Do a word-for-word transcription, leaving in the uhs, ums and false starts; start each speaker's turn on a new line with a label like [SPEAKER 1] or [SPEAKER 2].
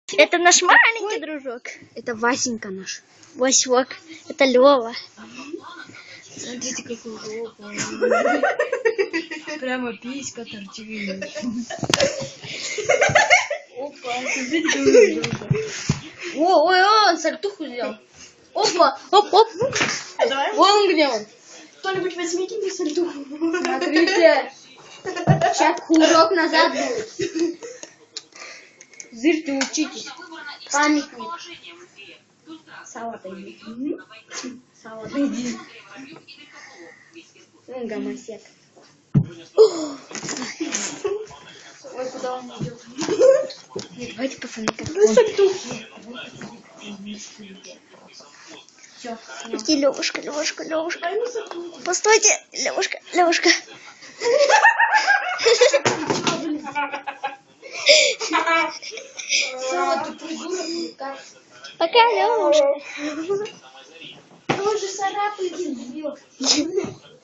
[SPEAKER 1] Это наш маленький дружок.
[SPEAKER 2] Это Васенька наш.
[SPEAKER 1] Васек. Это Лёва.
[SPEAKER 2] Смотрите, какой жопа. Прямо писька торчит. Опа, смотрите, какой жопа. О, ой, ой, он сальтуху сделал. Опа, оп, оп.
[SPEAKER 3] А давай.
[SPEAKER 2] Вон где он.
[SPEAKER 3] Кто-нибудь возьмите мне сальтуху.
[SPEAKER 2] Смотрите. Сейчас курок назад будет. Зырьте, учитесь. Памятник. Сало отойди. Сало отойди. Вон гомосек. Ой, куда он идет? Нет, давайте, пацаны, как
[SPEAKER 3] Ну, сальтуху.
[SPEAKER 2] Все.
[SPEAKER 1] Иди, Левушка, Левушка, Левушка.
[SPEAKER 3] Дай мне сальтуху.
[SPEAKER 1] Постойте, Левушка, Левушка.
[SPEAKER 2] Сало, ты придурок.
[SPEAKER 1] Пока, Левушка.
[SPEAKER 3] Он же царапает.